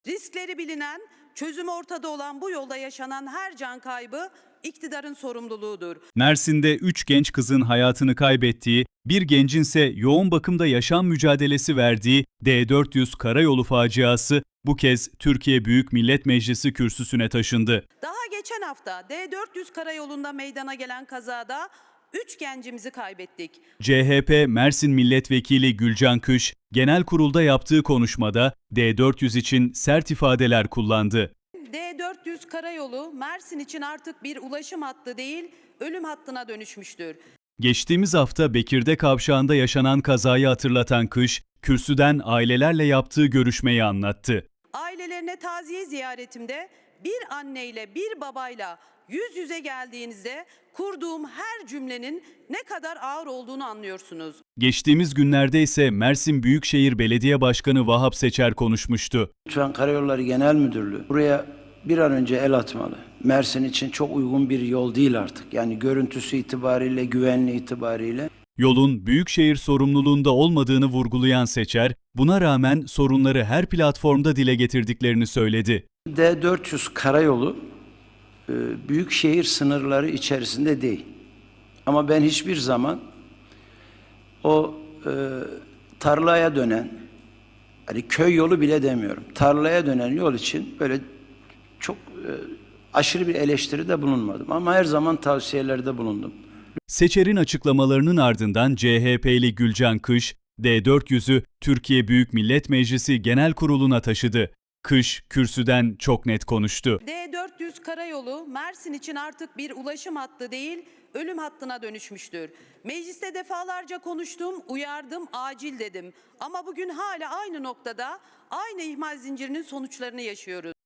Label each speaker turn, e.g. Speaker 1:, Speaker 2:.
Speaker 1: Riskleri bilinen, çözümü ortada olan bu yolda yaşanan her can kaybı iktidarın sorumluluğudur.
Speaker 2: Mersin'de 3 genç kızın hayatını kaybettiği, bir gencin ise yoğun bakımda yaşam mücadelesi verdiği D400 karayolu faciası bu kez Türkiye Büyük Millet Meclisi kürsüsüne taşındı.
Speaker 1: Daha geçen hafta D400 karayolunda meydana gelen kazada 3 gencimizi kaybettik.
Speaker 2: CHP Mersin Milletvekili Gülcan Kış, genel kurulda yaptığı konuşmada D400 için sert ifadeler kullandı.
Speaker 1: D400 karayolu Mersin için artık bir ulaşım hattı değil, ölüm hattına dönüşmüştür.
Speaker 2: Geçtiğimiz hafta Bekir'de kavşağında yaşanan kazayı hatırlatan Kış, kürsüden ailelerle yaptığı görüşmeyi anlattı.
Speaker 1: Ailelerine taziye ziyaretimde bir anneyle bir babayla yüz yüze geldiğinizde kurduğum her cümlenin ne kadar ağır olduğunu anlıyorsunuz.
Speaker 2: Geçtiğimiz günlerde ise Mersin Büyükşehir Belediye Başkanı Vahap Seçer konuşmuştu.
Speaker 3: Lütfen Karayolları Genel Müdürlüğü buraya bir an önce el atmalı. Mersin için çok uygun bir yol değil artık. Yani görüntüsü itibariyle, güvenliği itibariyle.
Speaker 2: Yolun Büyükşehir sorumluluğunda olmadığını vurgulayan Seçer, buna rağmen sorunları her platformda dile getirdiklerini söyledi.
Speaker 3: D400 karayolu büyükşehir sınırları içerisinde değil. Ama ben hiçbir zaman o tarlaya dönen, hani köy yolu bile demiyorum, tarlaya dönen yol için böyle çok aşırı bir eleştiride bulunmadım. Ama her zaman tavsiyelerde bulundum.
Speaker 2: Seçer'in açıklamalarının ardından CHP'li Gülcan Kış, D400'ü Türkiye Büyük Millet Meclisi Genel Kurulu'na taşıdı. Kış, kürsüden çok net konuştu.
Speaker 1: D400 karayolu Mersin için artık bir ulaşım hattı değil, ölüm hattına dönüşmüştür. Mecliste defalarca konuştum, uyardım, acil dedim. Ama bugün hala aynı noktada, aynı ihmal zincirinin sonuçlarını yaşıyoruz.